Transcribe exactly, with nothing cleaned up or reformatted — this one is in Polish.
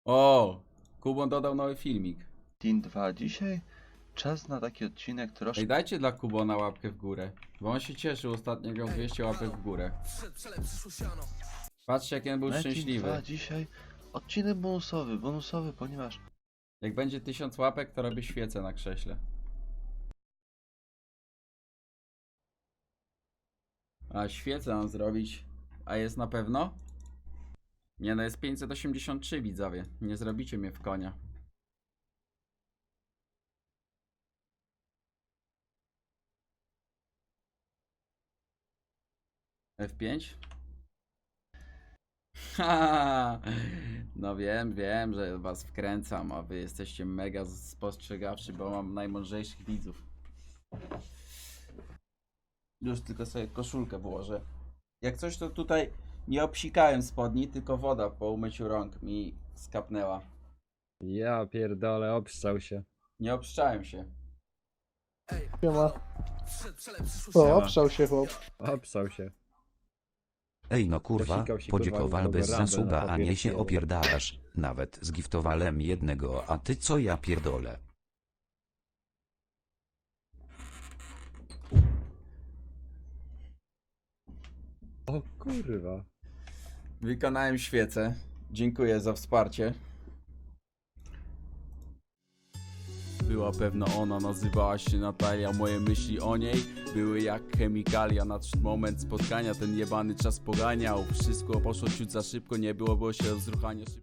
O! Kubon dodał nowy filmik. Team dwa. Dzisiaj czas na taki odcinek troszkę. Ej, dajcie dla Kubona łapkę w górę. Bo on się cieszył ostatnio, miał dwieście łapek w górę. Patrzcie, jak on był Na Team szczęśliwy. dwa dzisiaj odcinek bonusowy, bonusowy, ponieważ Jak będzie tysiąc łapek, to robię świecę na krześle. A świecę mam zrobić. A jest na pewno? Nie, no jest pięćset osiemdziesiąt trzy, widzowie. Nie zrobicie mnie w konia. F pięć? Ha, no wiem, wiem, że was wkręcam, a wy jesteście mega spostrzegawczy, bo mam najmądrzejszych widzów. Już tylko sobie koszulkę włożę. Jak coś, to tutaj nie obsikałem spodni, tylko woda po umyciu rąk mi skapnęła. Ja pierdolę, obszczał się. Nie obszczałem się. Siema. O, obszał się chłop. Obszczał się. Ej no kurwa, Dosikał się, podziękowal kurwa, bez Rumble na zasuba, a papier nie się wzięło. opierdalasz. Nawet zgiftowałem jednego, a ty co ja pierdolę. O kurwa. Wykonałem świecę. Dziękuję za wsparcie. Była pewno ona, nazywała się Natalia. Moje myśli o niej były jak chemikalia. Nadszedł moment spotkania, ten jebany czas poganiał. Wszystko poszło ciut za szybko, nie było, było się rozruchanie szybko.